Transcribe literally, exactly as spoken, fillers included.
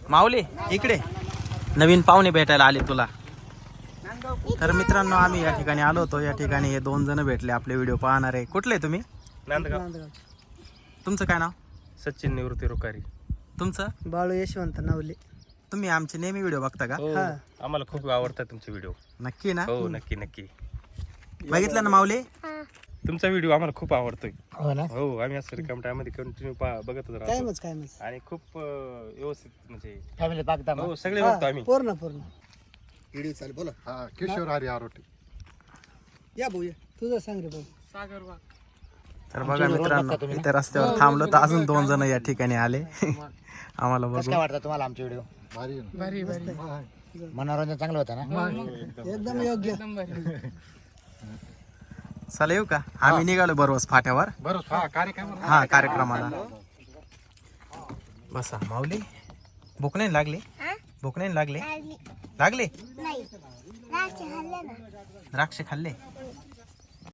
माऊली इकडे नवीन पाहुणे भेटायला आले तुला. तर मित्रांनो आम्ही या ठिकाणी आलो होतो. या ठिकाणी हे दोन जण भेटले आपले व्हिडिओ पाहणारे. कुठले तुम्ही? नांदगाव. तुमचं काय नाव? सचिन निवृत्ती रुकारी. तुमचं? बाळू यशवंत नावले. तुम्ही आमचे नेहमी व्हिडिओ बघता का? हो, आम्हाला खूप आवडतात तुमचे व्हिडिओ. नक्की ना? हो नक्की नक्की. बघितलं ना माऊली? तुमचा व्हिडिओ आम्हाला खूप आवडतोय. हो ना. हो आम्ही असं रिकाम टाइम मध्ये कंटिन्यू बघतच काय राहतो मच काय मच आणि खूप अं, व्यवस्थित म्हणजे फॅमिली बघता हो सगळे बघतो आम्ही. पूर्ण पूर्ण. व्हिडिओ चालेल बोला. हा किशोर हरी आरोटे. या भाऊ या. तुझं सांग रे भाऊ. सागर वाघ. तर बघा मित्रांनो इथे रस्त्यावर थांबलो तर अजून दोन जण या ठिकाणी आले. आम्हाला बघू. काय वाटतं तुम्हाला आमचे व्हिडिओ? भारी आहे ना? भारी भारी. मनोरंजन चांगलं होतं ना? एकदम योग्य. चला येऊ का? आम्ही निघालो बरोबर फाट्यावर. बरोबर हा कार्यक्रम हा कार्यक्रमाला. बसा माऊली. भूक नाही लागली? भूक नाही लागली? लागले? द्राक्ष खाल्ले.